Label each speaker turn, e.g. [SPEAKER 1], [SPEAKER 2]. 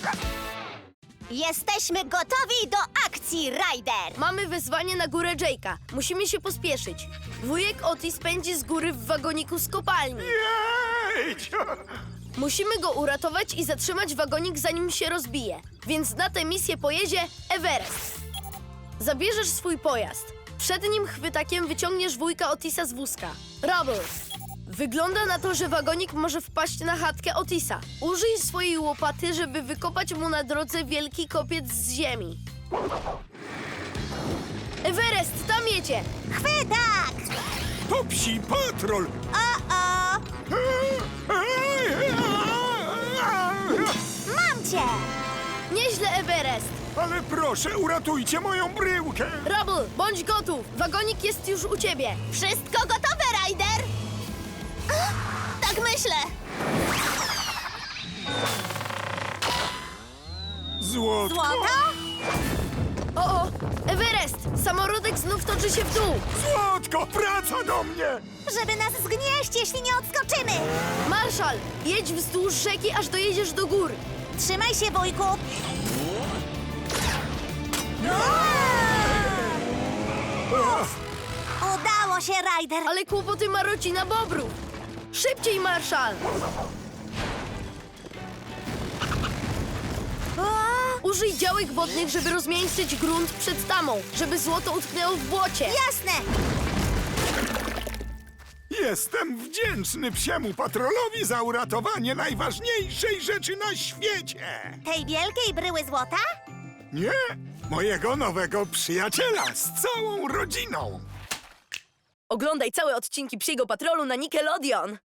[SPEAKER 1] Jesteśmy gotowi do akcji, Ryder!
[SPEAKER 2] Mamy wezwanie na górę Jake'a. Musimy się pospieszyć. Wujek Otis pędzi z góry w wagoniku z kopalni.
[SPEAKER 3] Jedź!
[SPEAKER 2] Musimy go uratować i zatrzymać wagonik, zanim się rozbije. Więc na tę misję pojedzie Everest. Zabierzesz swój pojazd. Przed nim chwytakiem wyciągniesz wujka Otisa z wózka. Rubble. Wygląda na to, że wagonik może wpaść na chatkę Otisa. Użyj swojej łopaty, żeby wykopać mu na drodze wielki kopiec z ziemi. Everest, tam jedzie!
[SPEAKER 1] Chwytak!
[SPEAKER 3] To psi patrol!
[SPEAKER 1] O! Mam cię!
[SPEAKER 2] Nieźle, Everest!
[SPEAKER 3] Ale proszę, uratujcie moją bryłkę!
[SPEAKER 2] Rubble, bądź gotów! Wagonik jest już u ciebie!
[SPEAKER 1] Wszystko gotowe, Ryder? Tak myślę!
[SPEAKER 3] Złotko!
[SPEAKER 1] Złoto?
[SPEAKER 2] O! Everest! Samorodek znów toczy się w dół!
[SPEAKER 3] Złotko, wraca do mnie!
[SPEAKER 1] Żeby nas zgnieść, jeśli nie odskoczymy!
[SPEAKER 2] Marszal, jedź wzdłuż rzeki, aż dojedziesz do gór!
[SPEAKER 1] Trzymaj się, wujku! Udało się, Ryder!
[SPEAKER 2] Ale kłopoty ma rodzina Bobrów! Szybciej, Marszal! Użyj działek wodnych, żeby rozmiękczyć grunt przed tamą, żeby złoto utknęło w błocie!
[SPEAKER 1] Jasne!
[SPEAKER 3] Jestem wdzięczny psiemu patrolowi za uratowanie najważniejszej rzeczy na świecie!
[SPEAKER 1] Tej wielkiej bryły złota?
[SPEAKER 3] Nie, mojego nowego przyjaciela z całą rodziną!
[SPEAKER 2] Oglądaj całe odcinki Psiego Patrolu na Nickelodeon!